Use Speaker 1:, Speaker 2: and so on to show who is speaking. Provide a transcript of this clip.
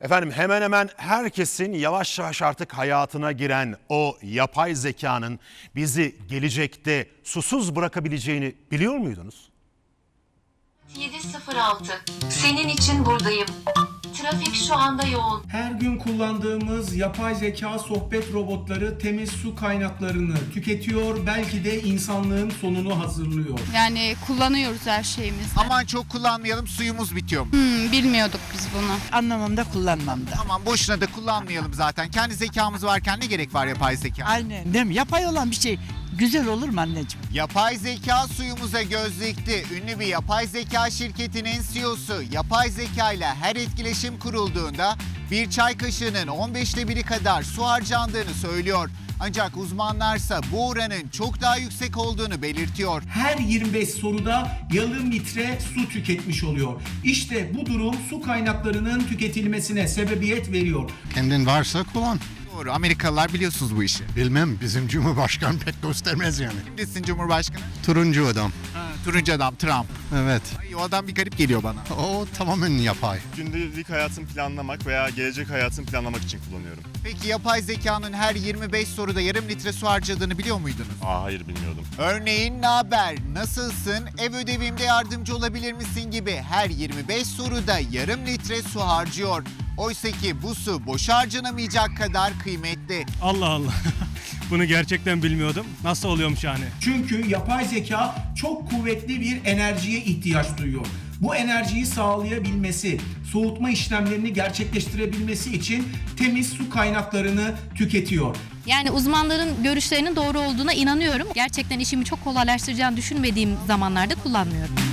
Speaker 1: Efendim hemen hemen herkesin yavaş yavaş artık hayatına giren o yapay zekanın bizi gelecekte susuz bırakabileceğini biliyor muydunuz?
Speaker 2: 706. Senin için buradayım. Trafik şu anda yoğun.
Speaker 3: Her gün kullandığımız yapay zeka sohbet robotları temiz su kaynaklarını tüketiyor, belki de insanlığın sonunu hazırlıyor.
Speaker 4: Yani kullanıyoruz her şeyimizi.
Speaker 5: Aman çok kullanmayalım, suyumuz bitiyor mu?
Speaker 4: Bilmiyorduk biz bunu.
Speaker 6: Anlamamda, kullanmamda.
Speaker 5: Aman boşuna da kullanmayalım zaten. Kendi zekamız varken ne gerek var yapay zeka?
Speaker 6: Aynen. Değil mi? Yapay olan bir şey güzel olur mu anneciğim?
Speaker 5: Yapay zeka suyumuza göz dikti. Ünlü bir yapay zeka şirketinin CEO'su yapay zeka ile her etkileşim kurulduğunda bir çay kaşığının 15'te 1'i kadar su harcandığını söylüyor. Ancak uzmanlarsa bu oranın çok daha yüksek olduğunu belirtiyor.
Speaker 3: Her 25 soruda yarım litre su tüketmiş oluyor. İşte bu durum su kaynaklarının tüketilmesine sebebiyet veriyor.
Speaker 7: Kendin varsa kullan.
Speaker 5: Doğru, Amerikalılar biliyorsunuz bu işi.
Speaker 7: Bilmem, bizim Cumhurbaşkanı pek göstermez yani.
Speaker 5: Kimdesin Cumhurbaşkanı?
Speaker 7: Turuncu adam.
Speaker 5: Turuncu adam Trump.
Speaker 7: Evet.
Speaker 5: Ay, o adam bir garip geliyor bana.
Speaker 7: O tamamen yapay.
Speaker 8: Gündelik hayatımı planlamak veya gelecek hayatımı planlamak için kullanıyorum.
Speaker 5: Peki yapay zekanın her 25 soruda yarım litre su harcadığını biliyor muydunuz?
Speaker 8: Hayır bilmiyordum.
Speaker 5: Örneğin naber, nasılsın, ev ödevimde yardımcı olabilir misin gibi her 25 soruda yarım litre su harcıyor. Oysa ki bu su boşa harcanamayacak kadar kıymetli.
Speaker 9: Allah Allah. Bunu gerçekten bilmiyordum. Nasıl oluyormuş yani?
Speaker 3: Çünkü yapay zeka çok kuvvetli bir enerjiye ihtiyaç duyuyor. Bu enerjiyi sağlayabilmesi, soğutma işlemlerini gerçekleştirebilmesi için temiz su kaynaklarını tüketiyor.
Speaker 10: Yani uzmanların görüşlerinin doğru olduğuna inanıyorum. Gerçekten işimi çok kolaylaştıracağını düşünmediğim zamanlarda kullanmıyorum.